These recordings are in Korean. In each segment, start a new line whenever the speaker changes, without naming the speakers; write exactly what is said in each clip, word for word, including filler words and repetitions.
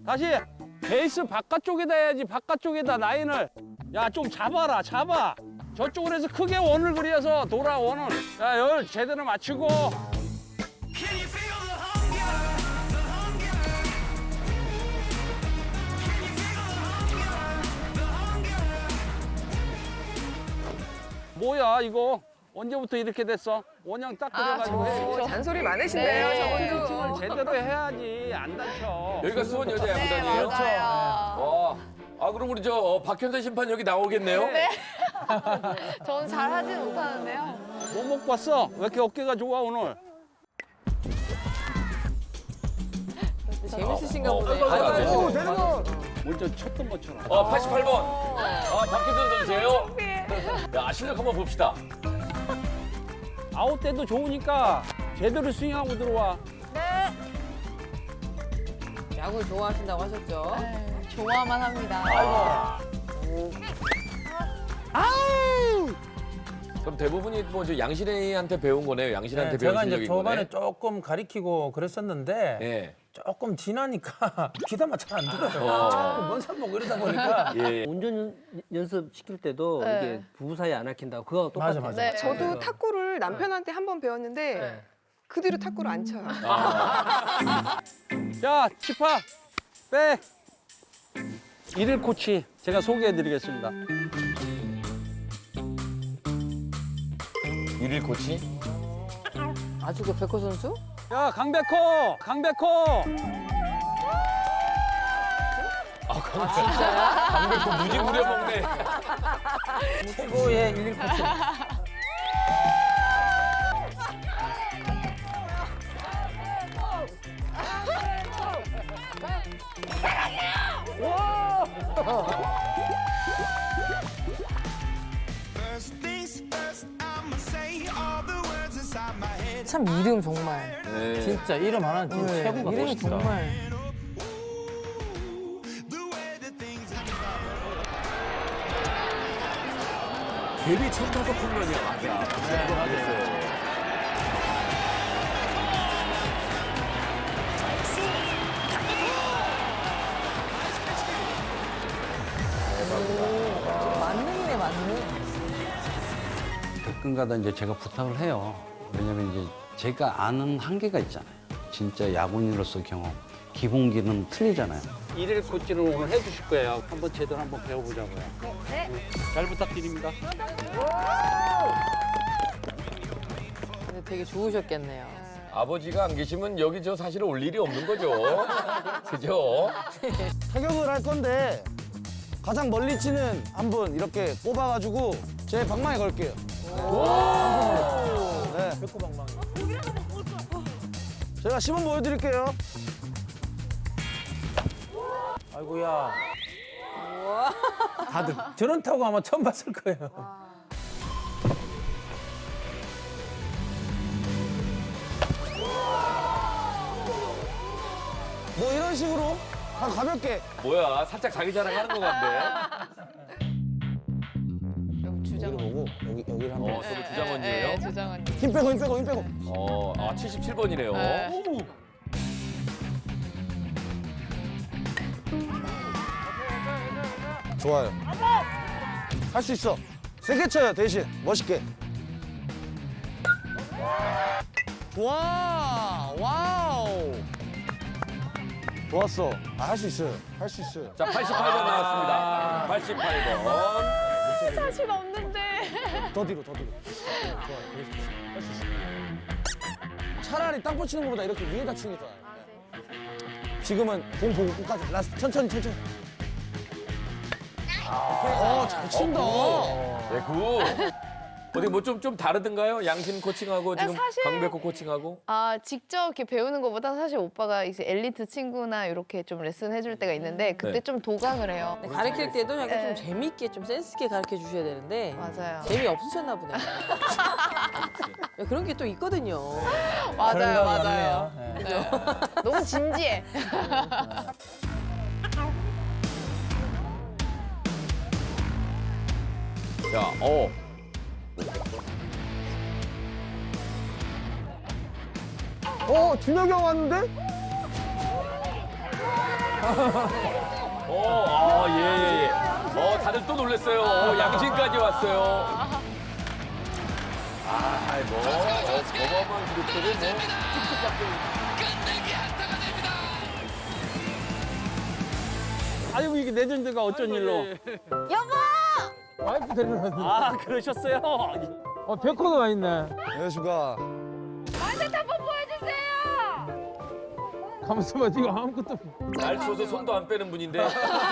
다시 베이스 바깥쪽에다 해야지. 바깥쪽에다 라인을. 야, 좀 잡아라. 잡아. 저쪽으로 해서 크게 원을 그려서 돌아 원을. 야, 열 제대로 맞추고. 뭐야 이거? 언제부터 이렇게 됐어? 원형 딱 그려가지고 해.
잔소리 많으시네요,
네.
저분도.
을 제대로 해야지 안 다쳐.
여기가 수원 여자야구단이에요?
맞아요.
와. 아 그럼 우리 저 어, 박현선 심판 여기 나오겠네요?
네. 저는 잘 하진 못하는데요.
뭐 먹고 왔어? 왜 이렇게 어깨가 좋아 오늘?
재밌으신가
어,
보네.
어,
아이고,
어,
아이고.
먼저 쳤던 것처럼.
어 팔십팔 번. 아 박현선 선수예요? 야 실력 한번 봅시다.
아웃 때도 좋으니까 제대로 스윙하고 들어와.
야구를 좋아하신다고 하셨죠?
네, 좋아만 합니다.
그럼 대부분이 뭐 저 양신혜한테 배운 거네요. 양신한테
네,
배운
제가 이제
실력인
초반에
거네.
조금 가리키고 그랬었는데
예.
조금 지나니까 귀담아 잘 안 들어요.
어.
자꾸 먼산 보고 이러다 보니까
예.
운전 연- 연습 시킬 때도
네.
이게 부부 사이 안 아낀다고 그거 똑같아요.
맞아, 맞아.
네.
저도 탁구를 남편한테 한 번 배웠는데
네.
그 뒤로 탁구를 안 쳐요.
자, 치파 백. 일일 코치 제가 소개해드리겠습니다.
일일 코치?
아주 그 백호 선수?
야, 강백호, 강백호.
아 진짜야? 강백호 무지 부려먹네.
최고의 일일 코치.
참 이름 정말.
네.
진짜 이름 하나는 진짜 최고가
이름이
멋있다.
정말.
데뷔 첫 타석 홈런이야 맞아. 그거 맞았어요.
만능이네, 만능.
가끔가다 이제 제가 부탁을 해요. 왜냐면 이제 제가 아는 한계가 있잖아요. 진짜 야구인으로서 경험, 기본기는 틀리잖아요.
일일 코치를 오늘 해주실 거예요. 한번 제대로 한번 배워보자고요.
네.
잘 부탁드립니다.
근데 되게 좋으셨겠네요.
아버지가 안 계시면 여기 저 사실 올 일이 없는 거죠. 그죠?
타격을 할 건데 가장 멀리 치는 한 분 이렇게 뽑아가지고 제 방망이 걸게요. 네.
백호 방망이.
제가 시범 보여드릴게요.
아이고야. 다들 저런 타구 아마 처음 봤을 거예요.
뭐 이런 식으로 가, 가볍게.
뭐야 살짝 자기 자랑하는 것 같네.
여기 주장원.
보고 여기 여기를 한번.
어 서로 주장원이에요?
네, 주장원.
힘 빼고 힘 빼고 힘 빼고.
어, 아 칠십칠 번이네요.
네.
좋아요. 할 수 있어. 세게 쳐요 대신 멋있게. 좋아. 와우. 좋았어. 아, 할 수 있어요. 할 수 있어요.
자 팔십팔 번 나왔습니다. 팔십팔 번.
사실 없는데.
더 뒤로 더 뒤로. 좋아. 할 수 있어. 차라리 땅볼 치는 것보다 이렇게 위에다 치는 게 더 나아요. 지금은 공 보고 끝까지. 라스트 천천히 천천히. 어, 잘 친다.
네, 굿. 어디 뭐 좀 좀 다르던가요? 양신 코칭하고 지금
사실-
강백호 코칭하고?
아, 직접 이렇게 배우는 것보다 사실 오빠가 이제 엘리트 친구나 이렇게 좀 레슨 해줄 때가 있는데 그때
네.
좀 도강을 해요.
근데 가르칠 때도 약간
네.
좀 재밌게, 좀 센스 있게 가르쳐 주셔야 되는데
맞아요.
재미 없으셨나 보네. 그런 게 또 있거든요.
맞아요,
그런가
맞아요.
보네요. 네.
네. 너무 진지해.
자, 어.
어, 준혁이 형 왔는데?
어, 아, 예, 예, 예. 어, 다들 또 놀랐어요. 어, 양신까지 왔어요. 아, 뭐, 어, 어마어마한 그룹들을 뭐, 쭉쭉 잡고.
아이고 이게 레전드가 어쩐 일로?
와이프 데리러 왔는데.
아 그러셨어요?
어, 백호도 와 있네.
안녕하십니까.
가만있어 봐, 지금 아무것도 없어.
날 추워서 손도 안 빼는 분인데.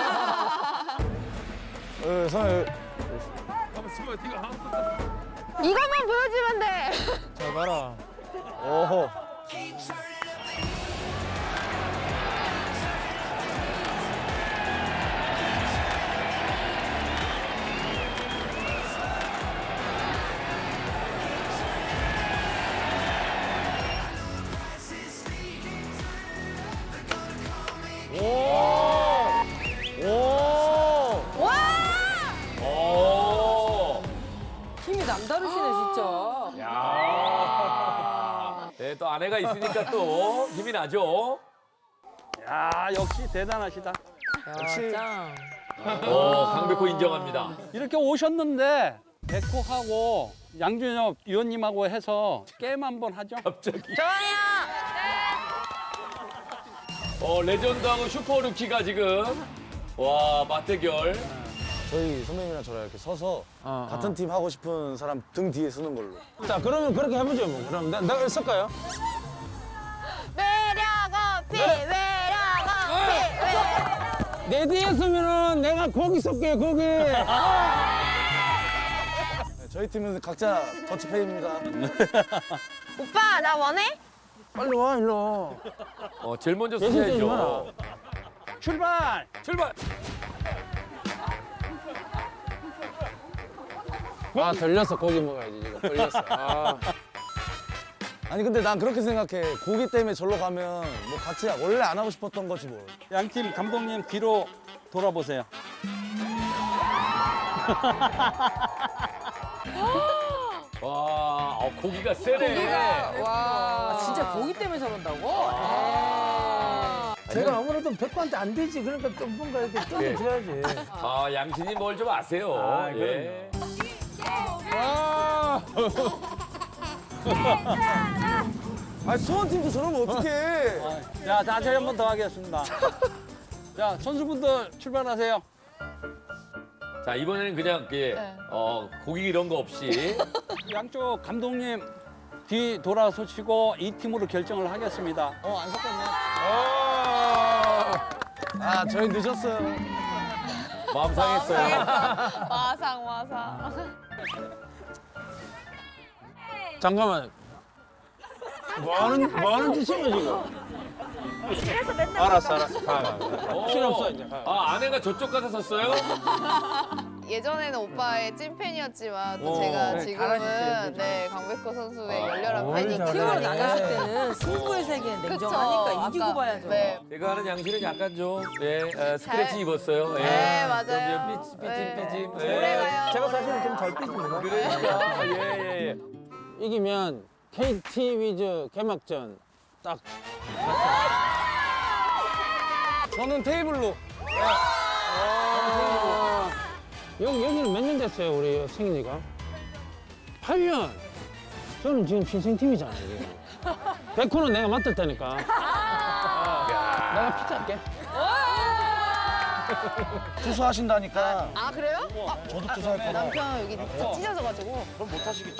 예, 사장님.
가만있어 봐, 지금 아무것도 없어.
이것만 보여주면 돼.
잘 봐라.
어허.
오!
힘이 남다르시네 진짜.
야. 네, 또 아내가 있으니까 또 힘이 나죠.
야 역시 대단하시다.
역시 짱.
어, 강백호 인정합니다.
이렇게 오셨는데 백호하고 양준엽 위원님하고 해서 게임 한번 하죠.
갑자기. 어, 레전드하고 슈퍼루키가 지금 와, 맞대결.
저희 선배님이랑 저랑 이렇게 서서
어,
같은 팀 하고 싶은 사람 등 뒤에 서는 걸로.
자, 그러면 그렇게 해보죠, 뭐. 그럼 나, 내가 쓸까요?
매력 어필, 매력 어필.
내 뒤에 서면은 내가 거기 쏠게요, 거기.
네, 저희 팀은 각자 더치페이입니다.
오빠 나 원해?
빨리 와, 일로.
어, 제일 먼저
예술 때리지
쓰셔야죠.
출발.
출발.
아, 들렸어, 고기 먹어야지, 지금. 들렸어. 아.
아니 근데 난 그렇게 생각해. 고기 때문에 절로 가면 뭐 같이 원래 안 하고 싶었던 거지 뭐.
양팀 감독님 뒤로 돌아보세요.
와, 어, 고기가 세네.
와 아, 진짜 고기 때문에 저런다고?
제가 아무래도 백호한테 안 되지. 그러니까 좀 뭔가 이렇게
예.
껴줘야지.
아, 양신이 뭘 좀 아세요.
아,
예.
아 수원팀도 저러면 어떡해.
자 다시 한 번 더 하겠습니다. 자 선수분들 출발하세요.
자, 이번에는 그냥 예,
네.
어, 고기 이런 거 없이.
양쪽 감독님 뒤 돌아서시고 이 팀으로 결정을 하겠습니다.
어 안 섞었네. 아 저희 늦었어요.
마음 상했어요.
마상 마상.
잠깐만. 뭐 하는, 뭐 하는 짓이야, 지금? 알았어, 알았어. 가, 가, 가.
어.
필요 없어, 이제. 가.
아, 아내가 저쪽 가서 섰어요?
예전에는 오빠의 찐팬이었지만 또
어,
제가
네,
지금은
잘하셨어요,
네 강백호 선수의
아,
열렬한
뭘
팬이기
잘해.
팀으로
때문에.
나갔을 때는 승부의 세계는
그쵸.
냉정하니까 이기고
아까,
봐야죠.
네.
제가 하는 양신은 약간 좀 예, 어, 스크래치
잘-
입었어요. 예.
네, 맞아요.
좀 삐- 삐짐
네.
삐짐.
오래 가요.
제가 사실은 좀 잘 삐집니다.
그러니까 예, 예, 예.
이기면 케이티 위즈 개막전 딱.
저는 테이블로.
여기, 여기는 몇 년 됐어요, 우리 생일이가? 팔 년. 저는 지금 신생팀이잖아요, 지금. 백호는 내가 맡았다니까. 내가 피자할게.
투수하신다니까.
아 그래요?
저도 투수할 거라.
남편 여기 진짜 찢어져가지고.
그럼 못 하시겠죠.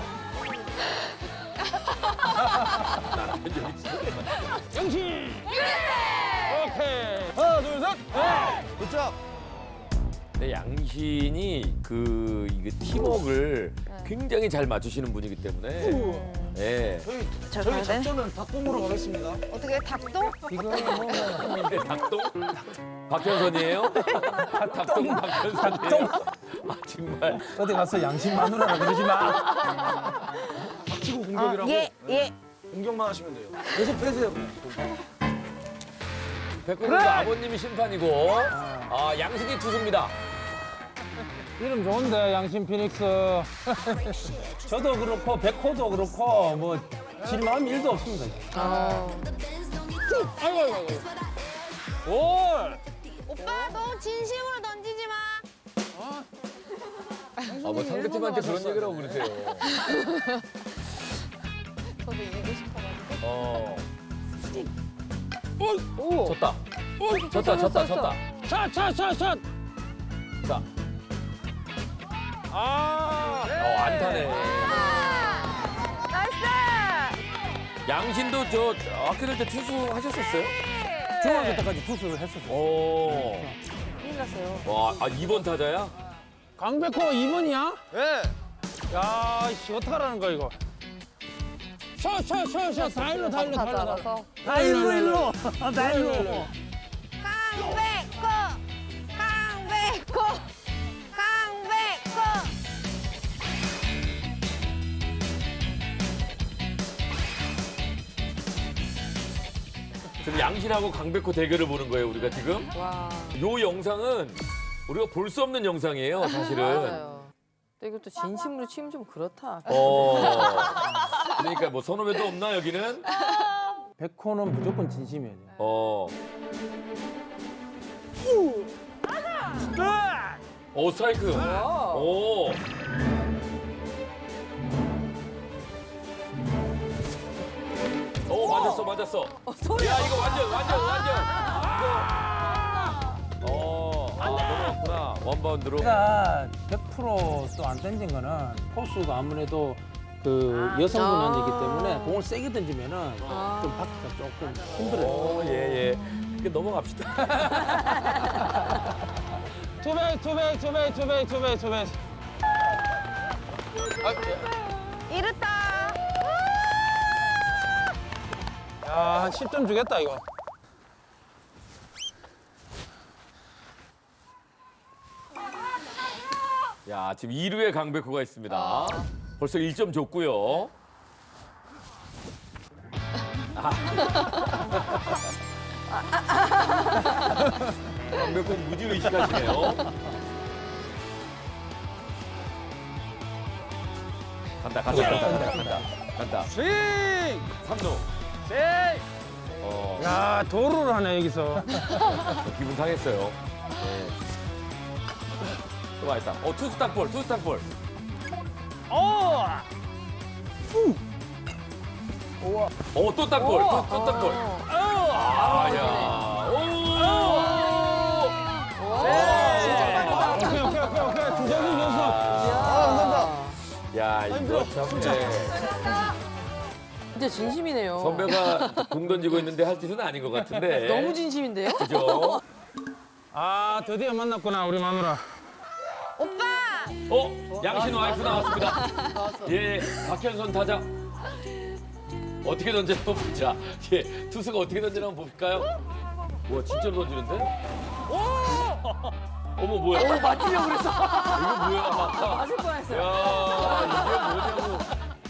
영신! 오케이.
하나 둘 셋. 굿잡.
근데 양신이 그 이게 팀워크를 굉장히 잘 맞추시는 분이기 때문에. 예.
저희
잘
저희
가야 돼?
작전은 닭봉으로 가겠습니다.
어떻게 닭똥?
근데 닭똥? 박현선이에요? 닭똥 박현선이에요? 아 정말.
어디 가서 양심 마누라라 그러지 마.
치고 공격이라고.
예 예.
공격만 하시면 돼요. 계속 패세요.
백호 선수 아버님이 심판이고 아 양신이 투수입니다.
이름 좋은데, 양심 피닉스. 저도 그렇고, 백호도 그렇고, 뭐, 질 마음 일도 없습니다.
어.
아이고, 아이고, 아이고.
올.
오빠 너무 진심으로 던지지 마.
아, 뭐 상대팀한테 그런 얘기를 하고 그러세요.
저도 이기고 싶어가지고.
어.
오.
졌다. 졌다, 졌다, 졌다.
샷, 샷, 샷, 샷.
자,
아.
어, 안타네.
나이스.
양신도 저 학교 다닐 때 투수 하셨었어요?
중학교 때까지 투수를 했었어요.
오.
큰일 났어요.
와, 아, 이 번 타자야?
강백호 이 번이야?
예.
야, 씨, 어떡하라는 거야, 이거. 샷, 샷, 샷, 샷. 다 일로, 다 일로, 다 일로.
알아서.
다 일로, 일로. 다 일로.
강백호, 강백호, 강백호.
지금 양신하고 강백호 대결을 보는 거예요, 우리가 지금.
와.
요 영상은 우리가 볼 수 없는 영상이에요, 사실은.
맞아요. 근데 이것도 진심으로 치면 좀 그렇다.
어. 그러니까 뭐 선후배도 없나, 여기는?
백호는 무조건 진심이야.
어. 오, 스트라이크. 오. 오, 맞았어, 맞았어. 야, 이거 완전, 완전, 완전. 이거. 어, 아, 넘어갔구나. 원바운드로.
제가 백 퍼센트 또 안 던진 거는 포수가 아무래도 그 여성분이기 때문에 공을 세게 던지면은 좀 받기가 조금 힘들어요.
오, 예, 예. 그 넘어갑시다.
투백, 투백, 투백, 투백, 투백, 투백.
이렇다.
야, 한 십 점 주겠다, 이거.
야, 지금 이 루에 강백호가 있습니다. 벌써 일 점 줬고요. 아. 강백호 무지 의식하시네요. 간다, 간다, 간다, 간다, 간다. 간다.
스윙!
삼 루.
스윙!
어,
야, 도루를 하네, 여기서.
기분 상했어요. 네. 또 맛있다. 어, 투수 땅볼, 투수 땅볼.
오!
어, 또 땅볼, 또, 또 땅볼. 아, 야. 오!
오케이, 오케이, 오케이, 오케이. 주자기 연습.
야, 이거 참. 네.
진짜 진심이네요.
선배가 공 던지고 있는데 할 짓은 아닌 것 같은데.
너무 진심인데요?
그죠?
아, 드디어 만났구나, 우리 마누라.
오빠.
어? 양신 와이프 나왔습니다. 예, 박현선 타자. 어떻게 던지나 보자. 예, 투수가 어떻게 던지나 한번 볼까요? 와, 진짜로 던지는데? 어머, 뭐야? 오, 맞추려고 그랬어. 이거 뭐야?
맞을 뻔했어요.
야, 이게 뭐냐고.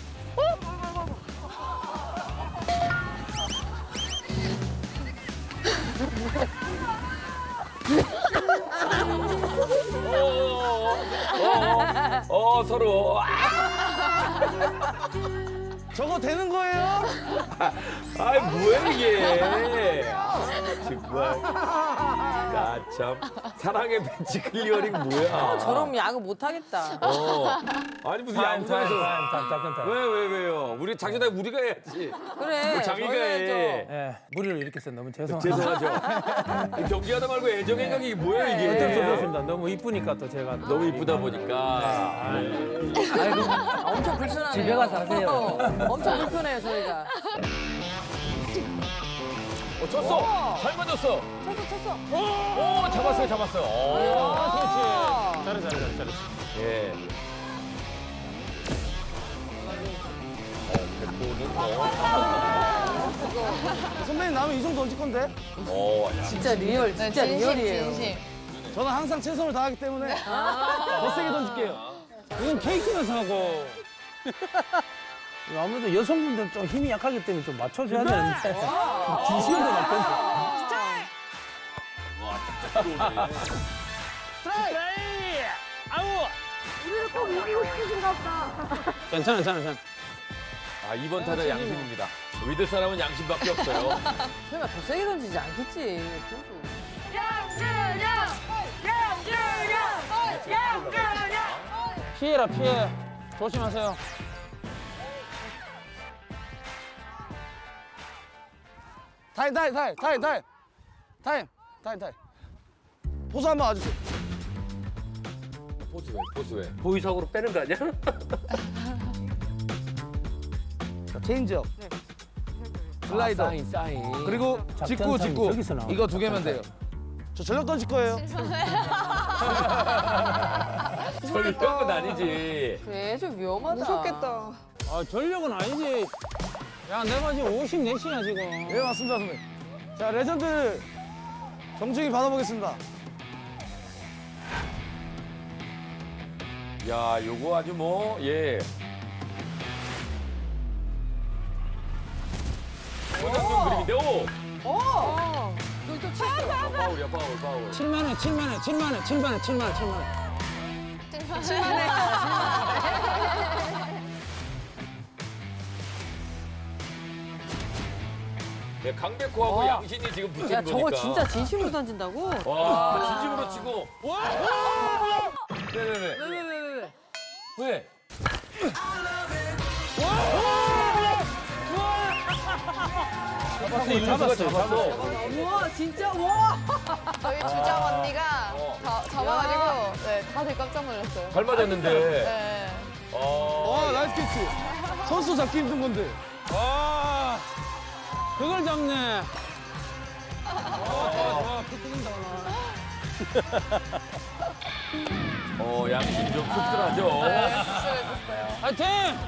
어, 어, 어, 어, 서로.
저거 되는 거예요?
아이, 뭐야, 이게. 아, 정말. 야, 참. 사랑의 벤치 클리어링 뭐야.
저럼 야구 못하겠다.
어. 아니, 무슨
타임, 타임,
야구장에서.
타임, 타임, 작전 타임.
왜, 왜, 왜요? 우리 작전에 우리가 해야지.
그래.
장이가
저희
해.
해야죠.
예, 무리를 일으켰어. 너무 죄송합니다.
죄송하죠. 이 경기하다 말고 애정 행각이 이게 뭐야, 이게.
어쩔 수 없었습니다. 너무 이쁘니까 또 제가. 또
너무 이쁘다 보니까.
아, 엄청 불편하네요.
집에 가서 하세요.
엄청 불편해요, 저희가.
어, 쳤어. 잘 맞았어.
쳤어, 쳤어.
오, 잡았어요, 잡았어요. 오.
아, 그렇지. 잘해, 잘해, 잘해.
예.
선배님 나오면 이 정도 던질 건데?
어, 야.
진짜 리얼, 진짜 리얼이에요.
저는 항상 최선을 다하기 때문에 더 세게 던질게요.
이건 케이크나 사고. 아무래도 여성분들은 좀 힘이 약하기 때문에 좀 맞춰줘야 되는데. 진심으로 막 던져. 괜찮아, 괜찮아, 괜찮아.
아, 이번 타자 양신입니다. 믿을 사람은 양심밖에 없어요.
설마 더 세게 던지지 않겠지.
피해라 피해. 조심하세요.
타임 타임 타임 타임 타임 타임 타임 타임 포수 한번 와주세요.
포스웨, 포스웨.
보이석으로 빼는 거 아니야?
자, 체인지업 슬라이더
사인, 사인.
그리고 직구
작전
직구
저기서 나와.
이거 두 개면 돼요. 저 전력 던질 거예요.
저리 건 아니지.
그래, 좀 위험하다.
무섭겠다.
아 전력은 아니지. 야 내가 지금 오십사 시야 지금.
네 맞습니다 선배님. 자 레전드 정중히 받아보겠습니다.
야, 요거 아주 뭐, 예. 고장좀 그림인데, 오!
어! 너 또 쳤어.
아, 파울이야, 파울, 파울.
칠만 원, 칠만 원, 칠만 원, 칠만 원, 칠만 원, 칠만 원.
네, 강백호하고
와.
양신이 지금 붙은
야,
거니까.
저거 진짜 진심으로 던진다고?
와, 진심으로 치고. 와! 네네네.
왜, 왜, 왜, 왜, 왜?
왜? 잡았어, 잡았어, 잡았어.
우와, 진짜, 와!
저희 주장 언니가
어.
다 잡아가지고 네, 다들 깜짝 놀랐어요.
잘 맞았는데.
네.
어.
와 나이스 캐치. 선수 잡기 힘든 건데.
와, 그걸 잡네. 어, 좋아, 좋아. 피 뜯긴다, 오늘.
어, 양신 좀 씁쓸하죠.
네, 수술해줬어요.
화이팅!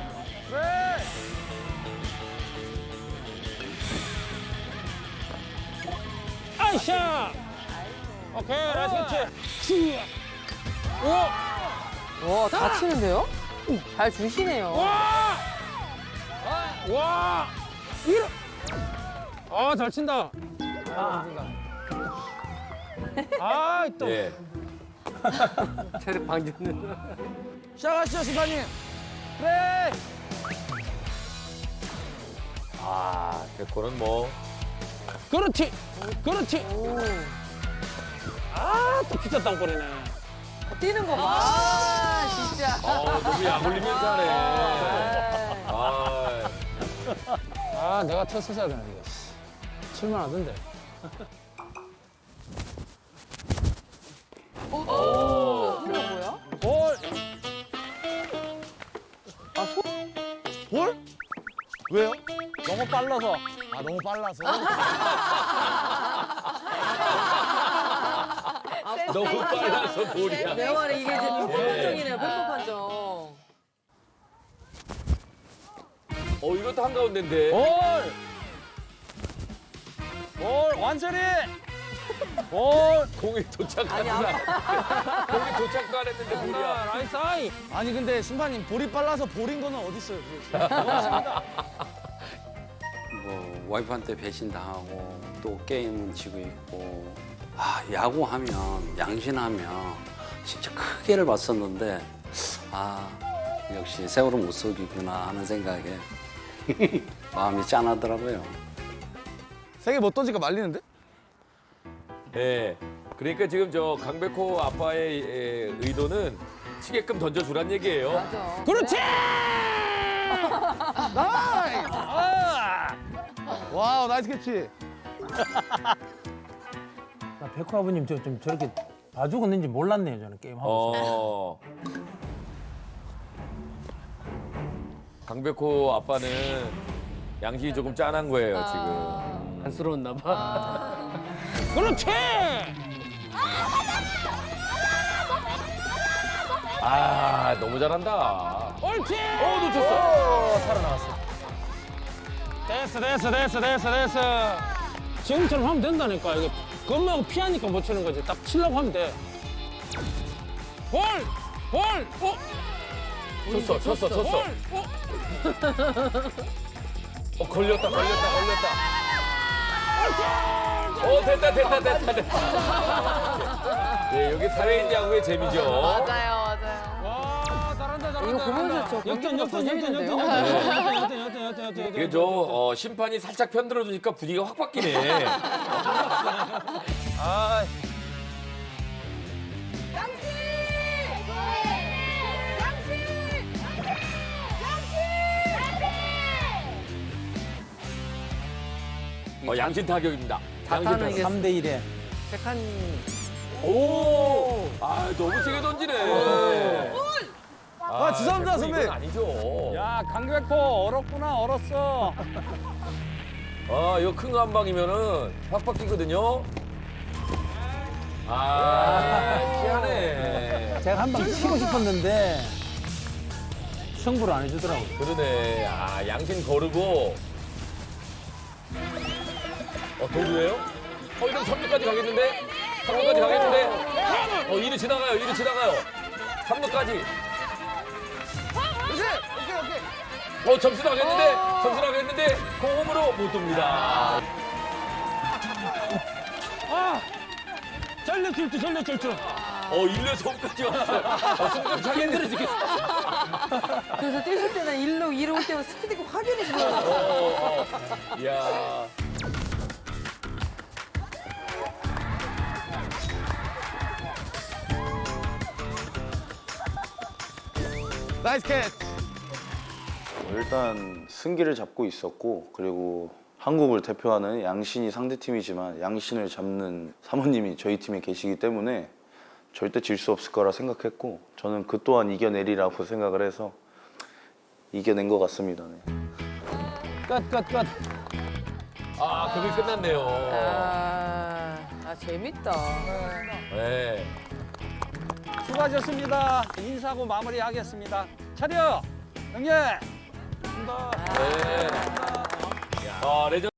아이샤! 오케이, 나이스 캐치. 오!
와, 다 치는데요? 잘 주시네요.
와! 와! 이러! 아, 잘 친다. 아, 또.
예.
체력 방지는.
시작하시죠 심판님. 그래.
아, 백호는 뭐.
그렇지! 그렇지! 아, 또 피자 땅볼이네.
뛰는 거 봐. 아, 진짜.
어, 너무 약 올리면서 하네. 아,
아, 내가 쳤었어야 되는데. 칠만 하던데.
오, 이거 뭐야?
볼. 볼? 왜요?
너무 빨라서.
아 너무 빨라서.
너무 빨라서 볼이야.
내 말에 이게 이제 편법
예.
판정이네요, 편법 판정.
어, 이것도 한가운데인데.
볼! 볼! 완전히! 볼!
공이 도착하지 않아. 공이 도착도 안 했는데 볼이야.
나이스 아이.
아니 근데 심판님 볼이 빨라서 볼인 거는 어디 있어요?
뭐 와이프한테 배신당하고 또 게임은 지고 있고 아 야구하면 양신하면 진짜 크게를 봤었는데 아 역시 세월은 못 속이구나 하는 생각에 마음이 짠하더라고요.
세개 못 던지니까 말리는데?
네. 그러니까 지금 저 강백호 아빠의 에, 의도는 치게끔 던져주란 얘기예요.
맞아.
그렇지!
나이스! 와우 나이스 캐치.
나 백호 아버님 저 좀 저렇게 봐주고 있는지 몰랐네요, 저는 게임하고.
어. 강백호 아빠는 양심이 조금 짠한 거예요, 지금.
안쓰러웠나 봐.
그렇지!
아, 너무 잘한다.
옳지!
어, 놓쳤어.
살아나왔어.
됐어, 됐어, 됐어, 됐어, 됐어. 지금처럼 하면 된다니까. 이게 겁하고 피하니까 못 치는 거지. 딱 치려고 하면 돼. 볼! 볼! 어?
쳤어, 쳤어, 쳤어.
볼! 어?
어, 걸렸다, 걸렸다, 걸렸다. 어, 됐다, 됐다, 됐다, 됐다. 네, 여기 사회인 야구의 재미죠.
맞아요, 맞아요.
와, 잘한다, 잘한다.
이거 보면서 저
역전,
경기보다 더
역전, 역전, 역전,
재밌는데요?
역전, 역전, 역전, 역전, 역전, 역전.
이게 저 어, 심판이 살짝 편들어주니까 분위기가 확 바뀌네.
아,
어, 양신 타격입니다. 양신
타는
타격.
이게
삼 대 일에.
백한
오! 아, 너무 세게 던지네.
아, 죄송합니다, 선배.
이건 아니죠.
야 강백호 얼었구나 얼었어.
아, 이거 큰 거 한 방이면은 확 바뀌거든요. 아, 피하네.
제가 한 방 치고 싶었는데 승부를 안 해주더라고요.
그러네. 아, 양신 거르고. 어, 도루예요? 어, 이러면 삼 루까지 가겠는데? 삼 루까지 가겠는데? 어, 이 루 지나가요, 이 루 지나가요. 삼 루까지. 어, 점수 나겠는데? 점수 나겠는데? 공홈으로 못 돕니다.
아! 살려줄줄, 살려줄줄.
어, 일 루에서 홈까지 왔어요. 어, 승점 차기 힘들어 죽겠어.
그래서 뛰실 때는 일로 이로 올 때면 스피드가 확연히 줄어요.
어, 어. 이야.
나이스 캐치.
일단 승기를 잡고 있었고 그리고 한국을 대표하는 양신이 상대팀이지만 양신을 잡는 사모님이 저희 팀에 계시기 때문에 절대 질 수 없을 거라 생각했고 저는 그 또한 이겨내리라고 생각을 해서 이겨낸 것 같습니다. 네.
끝, 끝, 끝.
아, 그게 끝났네요.
아, 아 재밌다.
네.
수고하셨습니다. 인사하고 마무리하겠습니다. 차려 형님.
네. 아, 레전